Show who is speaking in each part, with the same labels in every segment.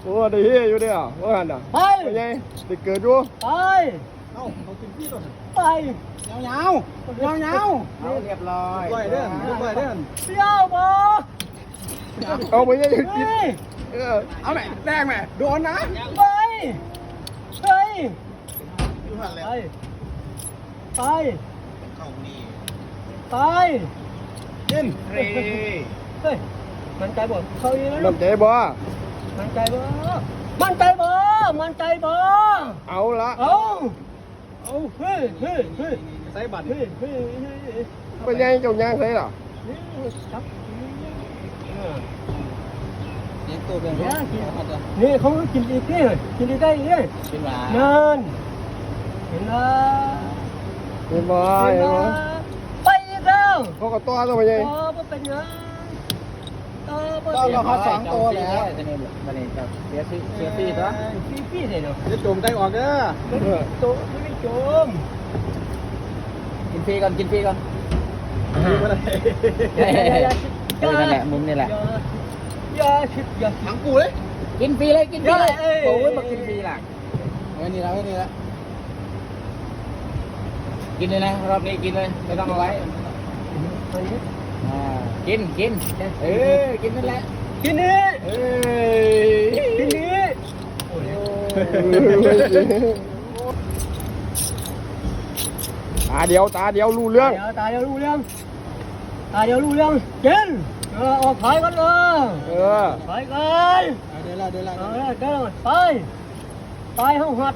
Speaker 1: โอ้ได้เฮียอยู่เด้อว่าหันอ่ะไปไงได้เกิดอยู่
Speaker 2: ไปเอากินพี่ก่อนไปยาวเรียบร้อยเดินเลี้ยวบ่
Speaker 1: เอาไปยังกินเอาไหมแดงไหมโดนนะ
Speaker 2: ไปกินเฮ้ยมันใจบ่เขาอีแล้ว
Speaker 1: มันใจบ่
Speaker 2: มันใจบ่
Speaker 1: เอาละ
Speaker 2: เฮ้ยใส่บัตร
Speaker 1: ไปยังเจ้าย่างใส่หรอ
Speaker 2: นี่เขากินอีกนี่กินอีกได้นี่กินหวานนั่นเห็น
Speaker 1: บ่
Speaker 2: ไปอีกแล้ว
Speaker 1: เขาก็ตัวไปยัง
Speaker 2: ก็เป็นเงิน
Speaker 3: เราพัดสองตัวแล้วจะเนี่ยมันเองครับเสียปีซะ
Speaker 2: ปีเลยเนาะ
Speaker 3: จะจมได้ออกเด้อ
Speaker 2: ตัวไม่จม
Speaker 3: กินฟรีก่อน
Speaker 2: นั่น
Speaker 3: แหละมุมนี่แหละ
Speaker 2: อย่า
Speaker 3: ถังกูเลยกินฟรีเลยโอ้ยมากินฟรีล่ะนี่ละกินเลยนะรอบนี้กินเลยไม่ต้องเอาไว้กินกินนั่นแหละ
Speaker 2: กินนี่
Speaker 1: ตาเดียวรู้เรื่อง
Speaker 2: กินออกขายกันเลยขายกัน
Speaker 3: เดิน
Speaker 2: ไปห้องหัด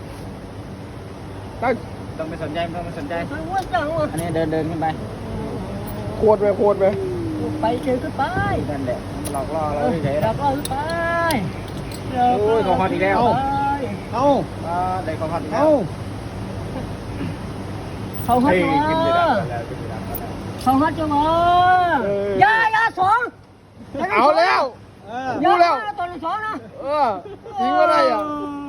Speaker 3: ต้องไม่สนใจอันนี้เดินขึ้นไป
Speaker 1: โคตรไหม
Speaker 2: ไปเจอขึ้นไป
Speaker 3: นั่นแหละหลอกล่อเราเฉย
Speaker 2: ๆหลอกล่อขึ้นไป
Speaker 3: โอ้ยของฮอตอีกแล้วได้ของฮอตอีกแล้ว
Speaker 2: เขาฮัดจะมาอย่าสอง
Speaker 1: เอาแล้วรู้แล้ว
Speaker 2: ตอนสองนะ
Speaker 1: ทิ้งว่าไรอ่ะ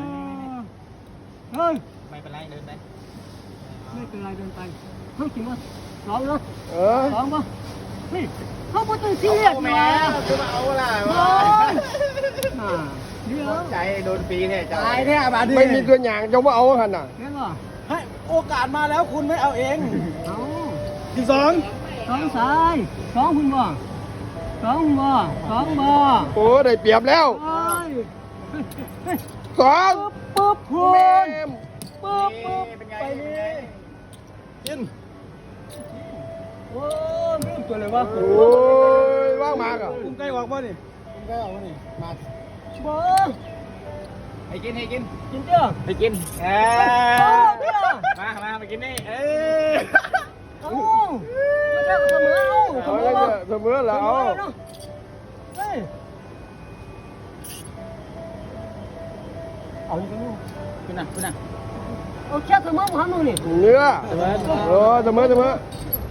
Speaker 3: ไม่เป็นไรเดินไป
Speaker 2: เขาจริงว่าสองนะสองป่ะนี่เขาพูดถึงซีเรียส
Speaker 3: แม่จะมาเอาอะไรวะใจโดนปีแท้ใจแท้บาด
Speaker 1: ไม่มีตัวอย่างจะว่าเอาขนาด
Speaker 2: นั่นหรอ
Speaker 3: ให้โอกาสมาแล้วคุณไม่เอาเองที่สอง
Speaker 2: สายสองคุณบ่
Speaker 1: โอ้ได้เปรียบแล้วสอง
Speaker 2: ปุ๊บคุณปุ๊บไปนี่
Speaker 3: กิน
Speaker 2: โอ้ไม่ตัวเลยวะ
Speaker 1: โอ้ยว่างมากอ่ะ
Speaker 3: คุณใกล้ออกป่ะนี่มา
Speaker 2: บ่
Speaker 3: ให้กิน
Speaker 2: เจ้า
Speaker 3: ให้กินมากินนี่
Speaker 2: ไม่ใช่เสมอ
Speaker 1: แล้ว
Speaker 2: เอาอยู่ตรงนู้น
Speaker 3: คุณน่ะ
Speaker 2: เอาแค่เสมอผมทำนู่นนี่
Speaker 1: เนื้อเสมอ